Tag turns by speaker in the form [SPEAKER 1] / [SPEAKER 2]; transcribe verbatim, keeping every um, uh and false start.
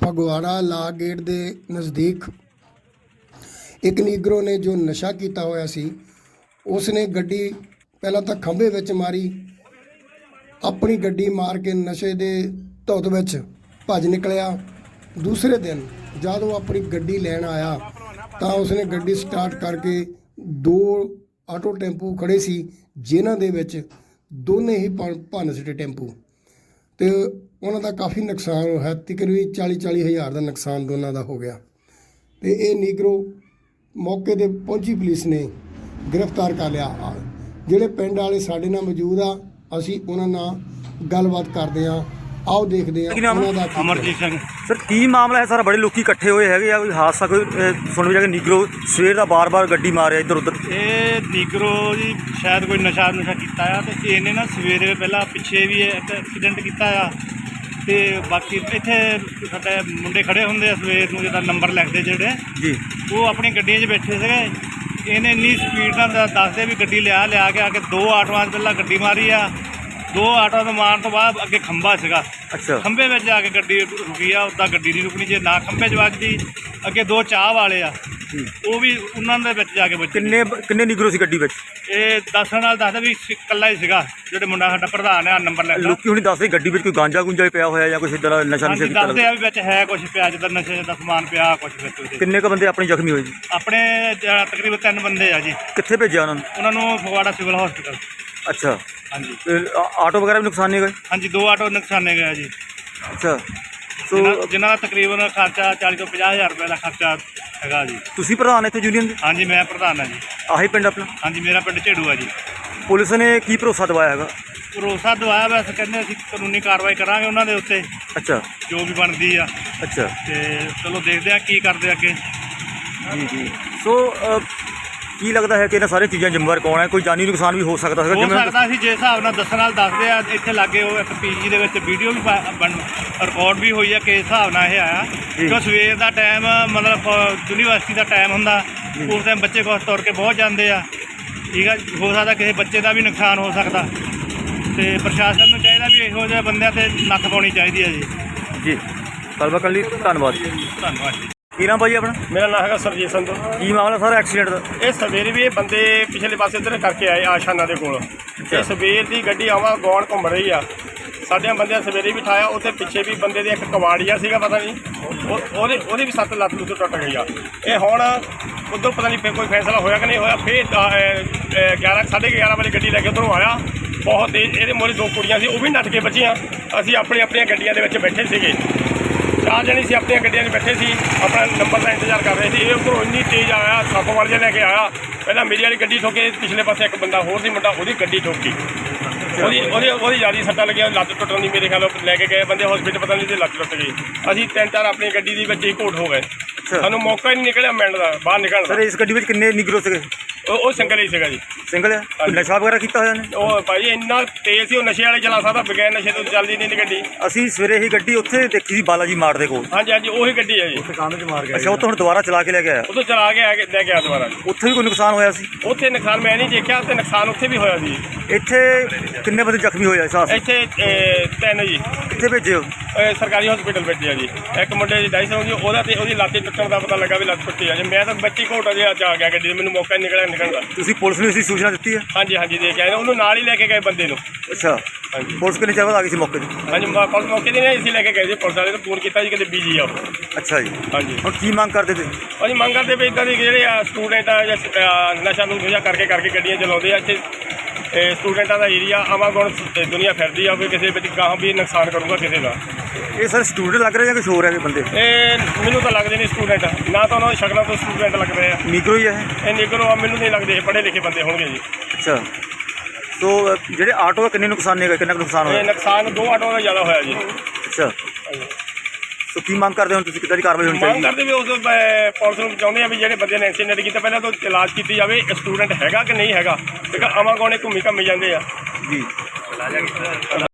[SPEAKER 1] ਫਗਵਾੜਾ ਲਾ ਗੇਟ ਦੇ ਨਜ਼ਦੀਕ ਇੱਕ ਨੀਗਰੋ ਨੇ ਜੋ ਨਸ਼ਾ ਕੀਤਾ ਹੋਇਆ ਸੀ ਉਸਨੇ ਗੱਡੀ ਪਹਿਲਾਂ ਤਾਂ ਖੰਭੇ ਵਿੱਚ ਮਾਰੀ, ਆਪਣੀ ਗੱਡੀ ਮਾਰ ਕੇ ਨਸ਼ੇ ਦੇ ਧੁੱਤ ਵਿੱਚ ਭੱਜ ਨਿਕਲਿਆ। ਦੂਸਰੇ ਦਿਨ ਜਦ ਉਹ ਆਪਣੀ ਗੱਡੀ ਲੈਣ ਆਇਆ ਤਾਂ ਉਸਨੇ ਗੱਡੀ ਸਟਾਰਟ ਕਰਕੇ ਦੋ ਆਟੋ ਟੈਂਪੂ ਖੜੇ ਸੀ ਜਿਨ੍ਹਾਂ ਦੇ ਵਿੱਚ ਦੋਨੇ ਹੀ ਭੰਨ ਸਿੱਟੇ ਟੈਂਪੂ ਤੇ ਉਹਨਾਂ ਦਾ ਕਾਫੀ ਨੁਕਸਾਨ ਹੋਇਆ। ਤਕਰੀਬਨ ਚਾਲੀ ਚਾਲੀ ਹਜ਼ਾਰ ਦਾ ਨੁਕਸਾਨ ਦੋਨਾਂ ਦਾ ਹੋ ਗਿਆ ਤੇ ਇਹ ਨੀਗਰੋ ਮੌਕੇ 'ਤੇ ਪਹੁੰਚੀ ਪੁਲਿਸ ਨੇ ਗ੍ਰਿਫਤਾਰ ਕਰ ਲਿਆ। ਜਿਹੜੇ ਪਿੰਡ ਵਾਲੇ ਸਾਡੇ ਨਾਲ ਮੌਜੂਦ ਆ, ਅਸੀਂ ਉਹਨਾਂ ਨਾਲ ਗੱਲਬਾਤ ਕਰਦੇ ਹਾਂ। ਆਓ ਦੇਖਦੇ ਹਾਂ ਉਹਨਾਂ ਦਾ।
[SPEAKER 2] ਅਮਰਜੀਤ ਸਿੰਘ
[SPEAKER 3] ਸਰ, ਕੀ ਮਾਮਲਾ ਹੈ ਸਾਰਾ? ਬੜੇ ਲੋਕੀ ਇਕੱਠੇ ਹੋਏ ਹੈਗੇ ਆ, ਕੋਈ ਹਾਦਸਾ ਕੋਈ ਸੁਣ ਵੀ ਜਾ ਕੇ ਨੀਗਰੋ ਸਵੇਰ ਦਾ ਬਾਰ-ਬਾਰ ਗੱਡੀ ਮਾਰਿਆ ਇੱਧਰ ਉੱਧਰ।
[SPEAKER 2] ਇਹ ਨੀਗਰੋ ਜੀ ਸ਼ਾਇਦ ਕੋਈ ਨਸ਼ਾ ਨੁਸ਼ਾ ਕੀਤਾ ਆ ਤੇ ਇਹਨੇ ਨਾ ਸਵੇਰੇ ਪਹਿਲਾਂ ਪਿੱਛੇ ਵੀ ਇੱਕ ਐਕਸੀਡੈਂਟ ਕੀਤਾ ਆ ਤੇ ਬਾਕੀ ਇੱਥੇ ਸਾਡੇ ਮੁੰਡੇ ਖੜੇ ਹੁੰਦੇ ਆ ਸਵੇਰ ਨੂੰ ਜਿਹਦਾ ਨੰਬਰ ਲਿਖਦੇ ਜਿਹੜੇ
[SPEAKER 3] ਜੀ,
[SPEAKER 2] ਉਹ ਆਪਣੀ ਗੱਡੀਆਂ 'ਚ ਬੈਠੇ ਸੀਗੇ। ਇਹਨੇ ਇੰਨੀ ਸਪੀਡ ਨਾਲ ਦੱਸਦੇ ਵੀ ਗੱਡੀ ਲਿਆ ਲਿਆ ਕੇ ਆ ਕੇ ਦੋ ਆਟੋਆਂ 'ਚ ਪਹਿਲਾਂ ਗੱਡੀ ਮਾਰੀ ਆ। ਦੋ ਆਟੋਆਂ ਤੋਂ ਮਾਰਨ ਤੋਂ ਬਾਅਦ ਅੱਗੇ ਖੰਭਾ ਸੀਗਾ,
[SPEAKER 3] ਅੱਛਾ,
[SPEAKER 2] ਖੰਭੇ ਵਿੱਚ ਜਾ ਕੇ ਗੱਡੀ ਰੁਕੀ ਆ। ਉੱਦਾਂ ਗੱਡੀ ਨਹੀਂ ਰੁਕਣੀ, ਜੇ ਨਾ ਖੰਭੇ 'ਚ ਵੱਜਦੀ। ਅੱਗੇ ਦੋ ਚਾਹ ਵਾਲੇ ਆ, ਉਹ ਵੀ ਉਹਨਾਂ ਦੇ ਵਿੱਚ ਜਾ ਕੇ ਵੱਜੇ।
[SPEAKER 3] ਕਿੰਨੇ ਕਿੰਨੇ ਨੀਗਰੋ ਸੀ ਗੱਡੀ ਵਿੱਚ?
[SPEAKER 2] ਇਹ ਦੱਸਣ ਨਾਲ ਦੱਸਦਾ ਵੀ ਇਕੱਲਾ ਹੀ ਸੀਗਾ, ਜਿਹੜੇ ਮੁੰਡਾ ਸਾਡਾ ਪ੍ਰਧਾਨ ਆ ਨੰਬਰ ਲੈ
[SPEAKER 3] ਲੋਕੀ ਹੁਣੀ ਦੱਸਦੇ ਗੱਡੀ ਵਿੱਚ ਕੋਈ ਗਾਂਜਾ ਗੁੰਜਾ ਪਿਆ ਹੋਇਆ ਜਾਂ ਕੁਛ ਇੱਦਾਂ ਦਾ ਨਸ਼ਾ ਨਸ਼ਾ ਕੀਤਾ?
[SPEAKER 2] ਦੱਸਦੇ ਆ ਵੀ ਵਿੱਚ ਹੈ ਕੁਛ ਪਿਆ, ਜਿੱਦਾਂ ਨਸ਼ੇ ਦਾ ਸਮਾਨ ਪਿਆ ਕੁਛ ਵਿੱਚ ਉਹਦੇ।
[SPEAKER 3] ਕਿੰਨੇ ਕੁ ਬੰਦੇ ਆਪਣੇ ਜ਼ਖਮੀ ਹੋਏ ਜੀ?
[SPEAKER 2] ਆਪਣੇ ਜ- ਤਕਰੀਬਨ ਤਿੰਨ ਬੰਦੇ ਆ ਜੀ।
[SPEAKER 3] ਕਿੱਥੇ ਭੇਜਿਆ ਉਹਨਾਂ ਨੂੰ?
[SPEAKER 2] ਉਹਨਾਂ ਨੂੰ ਫਗਵਾੜਾ ਸਿਵਲ ਹਸਪੀਟਲ।
[SPEAKER 3] ਅੱਛਾ,
[SPEAKER 2] ਹਾਂਜੀ
[SPEAKER 3] ਤੇ ਆ- ਆਟੋ ਵਗੈਰਾ ਵੀ ਨੁਕਸਾਨੇ ਗਏ?
[SPEAKER 2] ਹਾਂਜੀ, ਦੋ ਆਟੋ ਨੁਕਸਾਨੇ ਗਏ ਜੀ।
[SPEAKER 3] ਅੱਛਾ, ਸੋ
[SPEAKER 2] ਜਿਨ੍ਹਾਂ ਜਿਨ੍ਹਾਂ ਦਾ ਤਕਰੀਬਨ ਖਰਚਾ ਚਾਲੀ ਤੋਂ ਪੰਜਾਹ ਹਜ਼ਾਰ ਰੁਪਏ ਦਾ ਖਰਚਾ ਹੈਗਾ ਜੀ।
[SPEAKER 3] ਤੁਸੀਂ ਪ੍ਰਧਾਨ ਇੱਥੇ ਯੂਨੀਅਨ ਦੇ?
[SPEAKER 2] ਹਾਂਜੀ, ਮੈਂ ਪ੍ਰਧਾਨ ਹਾਂ ਜੀ।
[SPEAKER 3] ਆਹੀ ਪਿੰਡ ਆਪਣਾ?
[SPEAKER 2] ਹਾਂਜੀ, ਮੇਰਾ ਪਿੰਡ ਝੇੜੂ ਆ ਜੀ।
[SPEAKER 3] ਪੁਲਿਸ ਨੇ ਕੀ ਭਰੋਸਾ ਦਿਵਾਇਆ ਹੈਗਾ?
[SPEAKER 2] ਭਰੋਸਾ ਦਵਾਇਆ, ਵੈਸੇ ਕਹਿੰਦੇ ਅਸੀਂ ਕਾਨੂੰਨੀ ਕਾਰਵਾਈ ਕਰਾਂਗੇ ਉਹਨਾਂ ਦੇ ਉੱਤੇ
[SPEAKER 3] ਅੱਛਾ,
[SPEAKER 2] ਜੋ ਵੀ ਬਣਦੀ ਆ।
[SPEAKER 3] ਅੱਛਾ
[SPEAKER 2] ਤੇ ਚਲੋ ਦੇਖਦੇ ਆ ਕੀ ਕਰਦੇ ਅੱਗੇ।
[SPEAKER 3] ਜੀ ਜੀ। ਸੋ ਅ, ਕੀ ਲੱਗਦਾ ਹੈ ਕਿ ਇਹਨਾਂ ਸਾਰੀਆਂ ਚੀਜ਼ਾਂ ਜ਼ਿੰਮੇਵਾਰ ਕੌਣ ਹੈ? ਕੋਈ ਜਾਨੀ ਨੁਕਸਾਨ ਵੀ ਹੋ ਸਕਦਾ ਹੈਗਾ
[SPEAKER 2] ਹੋ
[SPEAKER 3] ਜਿਵੇਂ?
[SPEAKER 2] ਸਕਦਾ ਸੀ, ਜਿਸ ਹਿਸਾਬ ਨਾਲ ਦੱਸਣ ਨਾਲ ਦੱਸਦੇ ਆ। ਇੱਥੇ ਲਾਗੇ ਉਹ ਇੱਕ ਪੀਜੀ ਦੇ ਵਿੱਚ ਵੀਡੀਓ ਵੀ ਰਿਕਾਰਡ ਵੀ ਹੋਈ ਆ ਕਿ ਇਸ ਹਿਸਾਬ ਨਾਲ ਇਹ ਆਇਆ। ਕਿਉਂ ਸਵੇਰ ਦਾ ਟਾਈਮ ਮਤਲਬ ਯੂਨੀਵਰਸਿਟੀ ਦਾ ਟਾਈਮ ਹੁੰਦਾ, ਉਸ ਟਾਈਮ ਬੱਚੇ ਕੁਛ ਤੁਰ ਕੇ ਬਹੁਤ ਜਾਂਦੇ ਆ। ਠੀਕ ਆ, ਹੋ ਸਕਦਾ ਕਿਸੇ ਬੱਚੇ ਦਾ ਵੀ ਨੁਕਸਾਨ ਹੋ ਸਕਦਾ ਤੇ ਪ੍ਰਸ਼ਾਸਨ ਨੂੰ ਚਾਹੀਦਾ ਵੀ ਇਹੋ ਜਿਹੇ ਬੰਦਿਆਂ ਤੇ ਨੱਥ ਪਾਉਣੀ ਚਾਹੀਦੀ ਹੈ ਜੀ।
[SPEAKER 3] ਜੀ, ਗੱਲਬਾਤ ਕਰਨ ਲਈ ਧੰਨਵਾਦ।
[SPEAKER 2] ਧੰਨਵਾਦ ਜੀ।
[SPEAKER 3] ਕੀ ਨਾਮ ਭਾਈ ਆਪਣਾ?
[SPEAKER 4] ਮੇਰਾ ਨਾਮ ਹੈਗਾ ਸਰਜੀਤ ਸੰਧੂ।
[SPEAKER 3] ਕੀ ਮਾਮਲਾ ਸਾਰਾ ਐਕਸੀਡੈਂਟ ਦਾ?
[SPEAKER 4] ਇਹ ਸਵੇਰੇ ਵੀ ਇਹ ਬੰਦੇ ਪਿਛਲੇ ਪਾਸੇ ਇੱਧਰ ਕਰਕੇ ਆਏ ਆਸ਼ਾਨਾ ਦੇ ਕੋਲ। ਇਹ ਸਵੇਰ ਦੀ ਗੱਡੀ ਆਵਾ ਗੌਣ ਘੁੰਮ ਰਹੀ ਆ। ਸਾਡਿਆਂ ਬੰਦਿਆਂ ਸਵੇਰੇ ਵੀ ਠਾਇਆ। ਉੱਥੇ ਪਿੱਛੇ ਵੀ ਬੰਦੇ ਦੇ ਇੱਕ ਕਵਾੜੀਆ ਸੀਗਾ, ਪਤਾ ਨਹੀਂ ਉਹ ਉਹਦੇ ਉਹਦੀ ਵੀ ਸੱਤ ਲੱਤ ਲੁੱਤ ਟੁੱਟ ਗਈ ਆ। ਇਹ ਹੁਣ ਉੱਧਰ ਪਤਾ ਨਹੀਂ ਫਿਰ ਕੋਈ ਫੈਸਲਾ ਹੋਇਆ ਕਿ ਨਹੀਂ ਹੋਇਆ। ਫਿਰ ਗਿਆਰਾਂ ਸਾਢੇ ਗਿਆਰਾਂ ਵਜੇ ਗੱਡੀ ਲੈ ਕੇ ਉੱਧਰੋਂ ਆਇਆ ਬਹੁਤ ਤੇਜ਼। ਇਹਦੇ ਮੋਰੇ ਦੋ ਕੁੜੀਆਂ ਸੀ, ਉਹ ਵੀ ਨੱਠ ਕੇ ਬਚੀਆਂ। ਅਸੀਂ ਆਪਣੀ ਆਪਣੀਆਂ ਗੱਡੀਆਂ ਦੇ ਵਿੱਚ ਬੈਠੇ ਸੀਗੇ, ਚਾਰ ਜਣੇ ਸੀ ਆਪਣੀਆਂ ਗੱਡੀਆਂ 'ਚ ਬੈਠੇ ਸੀ, ਆਪਣਾ ਨੰਬਰ ਦਾ ਇੰਤਜ਼ਾਰ ਕਰ ਰਹੇ ਸੀ। ਇਹ ਉੱਧਰੋਂ ਇੰਨੀ ਤੇਜ਼ ਆਇਆ, ਸੱਪ ਵਾਲ ਜਿਹਾ ਲੈ ਕੇ ਆਇਆ। ਪਹਿਲਾਂ ਮੇਰੀ ਵਾਲੀ ਗੱਡੀ ਠੋਕੇ, ਪਿਛਲੇ ਪਾਸੇ ਇੱਕ ਬੰਦਾ ਹੋਰ ਸੀ ਮੁੰਡਾ, ਉਹਦੀ ਗੱਡੀ ਠੋਕੀ। ਉਹਦੀ ਉਹਦੀ ਉਹਦੀ ਜ਼ਿਆਦਾ ਸੱਟਾਂ ਲੱਗੀਆਂ, ਲੱਤ ਟੁੱਟਣ ਦੀ। ਮੇਰੇ ਖਿਆਲ ਲੈ ਕੇ ਗਏ ਬੰਦੇ ਹਸਪੀਟਲ, ਪਤਾ ਨਹੀਂ ਤੇ ਲੱਤ ਟੁੱਟ ਗਈ। ਅਸੀਂ ਤਿੰਨ ਚਾਰ ਆਪਣੀ ਗੱਡੀ ਦੇ ਵਿੱਚ ਹੀ ਘੋਟ ਹੋ ਗਏ। ਸਾਨੂੰ ਮੌਕਾ ਹੀ ਨਹੀਂ ਨਿਕਲਿਆ ਮਿਲਣ ਦਾ, ਬਾਹਰ ਨਿਕਲਣ ਦਾ।
[SPEAKER 3] ਸਰ, ਇਸ ਗੱਡੀ ਵਿੱਚ ਕਿੰਨੇ ਨੀਗਰੋ ਸੀਗੇ?
[SPEAKER 4] ਉਹ ਉਹ ਸਿੰਗਲ ਹੀ ਸੀਗਾ ਜੀ।
[SPEAKER 3] ਸਿੰਗਲ ਹੈ? ਕੋਈ ਨਸ਼ਾ ਵਗੈਰਾ ਕੀਤਾ ਹੋਇਆ ਨੇ?
[SPEAKER 4] ਉਹ ਭਾਈ ਇੰਨਾ ਤੇਜ਼ ਸੀ, ਉਹ ਨਸ਼ੇ ਵਾਲੇ ਚਲਾ ਸਕਦਾ, ਬਗੈਰ ਨਸ਼ੇ ਤੋਂ ਚੱਲਦੀ ਨਹੀਂ ਗੱਡੀ।
[SPEAKER 3] ਅਸੀਂ ਸਵੇਰੇ ਹੀ ਗੱਡੀ ਉੱਥੇ ਦੇਖੀ ਸੀ ਬਾਲਾ ਜੀ ਮਾਰ ਦੇ ਕੋਲ।
[SPEAKER 4] ਹਾਂਜੀ ਹਾਂਜੀ, ਉਹੀ ਗੱਡੀ ਹੈ ਜੀ।
[SPEAKER 3] ਅੱਛਾ, ਉੱਥੋਂ ਹੁਣ ਦੁਬਾਰਾ ਚਲਾ ਕੇ ਲੈ ਕੇ ਆਇਆ?
[SPEAKER 4] ਉਦੋਂ ਚਲਾ ਕੇ ਆ ਕੇ ਲੈ ਕੇ ਆ ਦੁਬਾਰਾ।
[SPEAKER 3] ਉੱਥੇ ਵੀ ਕੋਈ ਨੁਕਸਾਨ ਹੋਇਆ ਸੀ?
[SPEAKER 4] ਉੱਥੇ ਨੁਕਸਾਨ ਮੈਂ ਨਹੀਂ ਦੇਖਿਆ, ਤੇ ਨੁਕਸਾਨ ਉੱਥੇ ਵੀ ਹੋਇਆ ਸੀ।
[SPEAKER 3] ਇੱਥੇ ਕਿੰਨੇ ਬੰਦੇ ਜ਼ਖਮੀ ਹੋਏ ਆ ਇਸ ਹਾਦਸੇ?
[SPEAKER 4] ਇੱਥੇ ਅਹ, ਤਿੰਨ ਜੀ।
[SPEAKER 3] ਕਿੱਥੇ ਭੇਜੇ ਹੋ?
[SPEAKER 4] ਅਹ, ਸਰਕਾਰੀ ਹਸਪੀਟਲ ਵਿੱਚ ਆ ਜੀ। ਇੱਕ ਮੁੰਡੇ ਦੀ ਡਾਈਸ ਹੋ ਗਈ, ਉਹਦਾ ਤੇ ਉਹਦੀ ਲੱਤ ਟੁੱਟਣ ਦਾ ਪਤਾ ਲੱਗਾ ਵੀ ਲੱਤ ਟੁੱਟੀ ਆ ਜੀ। ਮੈਂ ਤਾਂ ਬੱਚੀ ਘੋਟਾ ਜਿਹਾ ਆ ਗਿਆ ਗੱਡੀ, ਮੈਨੂੰ ਮੌਕਾ ਨਹੀਂ ਨਿਕਲਿਆ ਨਿਕਲਣ ਦਾ।
[SPEAKER 3] ਤੁਸੀਂ ਪੁਲਿਸ ਨੂੰ ਇਸਦੀ ਸੂਚਨਾ ਦਿੱਤੀ ਹੈ?
[SPEAKER 4] ਹਾਂਜੀ ਹਾਂਜੀ, ਦੇ ਕੇ ਆਏ, ਉਹਨੂੰ ਨਾਲ ਹੀ ਲੈ ਕੇ ਗਏ ਬੰਦੇ ਨੂੰ।
[SPEAKER 3] ਅੱਛਾ,
[SPEAKER 4] ਹਾਂਜੀ
[SPEAKER 3] ਪੁਲਿਸ ਕਿੰਨੇ ਚਿਰ ਬਾਅਦ ਆ ਗਈ ਸੀ ਮੌਕੇ 'ਤੇ?
[SPEAKER 4] ਹਾਂਜੀ, ਮ- ਪੁਲਿਸ ਮੌਕੇ ਦੀ ਨਹੀਂ, ਅਸੀਂ ਲੈ ਕੇ ਗਏ ਸੀ। ਪੁਲਿਸ ਵਾਲੇ ਨੂੰ ਫੋਨ ਕੀਤਾ ਜੀ, ਕਿਤੇ ਬੀਜੀ ਆ ਉਹ।
[SPEAKER 3] ਅੱਛਾ ਜੀ,
[SPEAKER 4] ਹਾਂਜੀ,
[SPEAKER 3] ਹੁਣ ਕੀ ਮੰਗ ਕਰਦੇ ਤੇ?
[SPEAKER 4] ਅਸੀਂ ਮੰਗ ਕਰਦੇ ਵੀ ਇੱਦਾਂ ਦੇ ਜਿਹੜੇ ਆ ਸਟੂਡੈਂਟ ਆ ਜਾਂ ਅਹ, ਨਸ਼ਾ ਨੂੰ ਨਸ਼ਾ ਕਰਕੇ ਕਰਕੇ ਗੱਡੀਆਂ ਚਲਾਉਂਦੇ ਆ। ਇੱਥੇ ਇਹ ਸਟੂਡੈਂਟਾਂ ਦਾ ਏਰੀਆ ਆਵਾਗੁਣ ਦੁਨੀਆ ਫਿਰਦੀ ਆ, ਕੋਈ ਕਿਸੇ ਵਿੱਚ ਗਾਹਾਂ ਵੀ ਨੁਕਸਾਨ ਕਰੂਗਾ ਕਿਸੇ ਦਾ।
[SPEAKER 3] ਇਹ ਸਰ ਸਟੂਡੈਂਟ ਲੱਗ ਰਹੇ ਜਾਂ ਕੁਛ ਹੋਰ ਹੈਗੇ ਬੰਦੇ?
[SPEAKER 4] ਇਹ ਮੈਨੂੰ ਤਾਂ ਲੱਗਦੇ ਨਹੀਂ ਸਟੂਡੈਂਟ, ਨਾ ਤਾਂ ਉਹਨਾਂ ਦੀ ਸ਼ਕਲਾਂ ਤੋਂ ਸਟੂਡੈਂਟ ਲੱਗ ਰਹੇ ਆ।
[SPEAKER 3] ਨੀਗਰੋ ਹੀ ਹੈ ਇਹ?
[SPEAKER 4] ਇਹ ਨਿਗਰੋ ਆ, ਮੈਨੂੰ ਨਹੀਂ ਲੱਗਦੇ ਇਹ ਪੜ੍ਹੇ ਲਿਖੇ ਬੰਦੇ ਹੋਣਗੇ ਜੀ।
[SPEAKER 3] ਅੱਛਾ, ਸੋ ਜਿਹੜੇ ਆਟੋ ਆ ਕਿੰਨੇ ਨੁਕਸਾਨ ਨੇ ਗਏ? ਕਿੰਨਾ ਕੁ ਨੁਕਸਾਨ
[SPEAKER 4] ਇਹ
[SPEAKER 3] ਹੋਇਆ?
[SPEAKER 4] ਨੁਕਸਾਨ ਦੋ ਆਟੋਆਂ ਦਾ ਜ਼ਿਆਦਾ ਹੋਇਆ ਜੀ।
[SPEAKER 3] ਅੱਛਾ, ਸੋ ਕੀ ਮੰਗ ਕਰਦੇ ਹੋ ਤੁਸੀਂ? ਕਿੱਦਾਂ ਦੀ ਕਾਰਵਾਈ ਹੋਣੀ
[SPEAKER 4] ਮੰਗ
[SPEAKER 3] ਚਾਹੀਦੀ?
[SPEAKER 4] ਕਰਦੇ ਵੀ ਉਸ ਅਹ, ਪੁਲਿਸ ਨੂੰ ਚਾਹੁੰਦੇ ਆ ਵੀ ਜਿਹੜੇ ਬੰਦੇ ਨੇ ਐਕਸੀਡੈਂਟ ਕੀਤਾ ਪਹਿਲਾਂ ਤਾਂ ਇਲਾਜ ਕੀਤੀ ਜਾਵੇ, ਸਟੂਡੈਂਟ ਹੈਗਾ ਕਿ ਨਹੀਂ ਹੈਗਾ। ਕਿਉਂਕਿ ਆਵਾਗੁਣੇ ਘੁੰਮੀ ਘੰਮੀ ਜਾਂਦੇ ਆ
[SPEAKER 3] ਜੀ।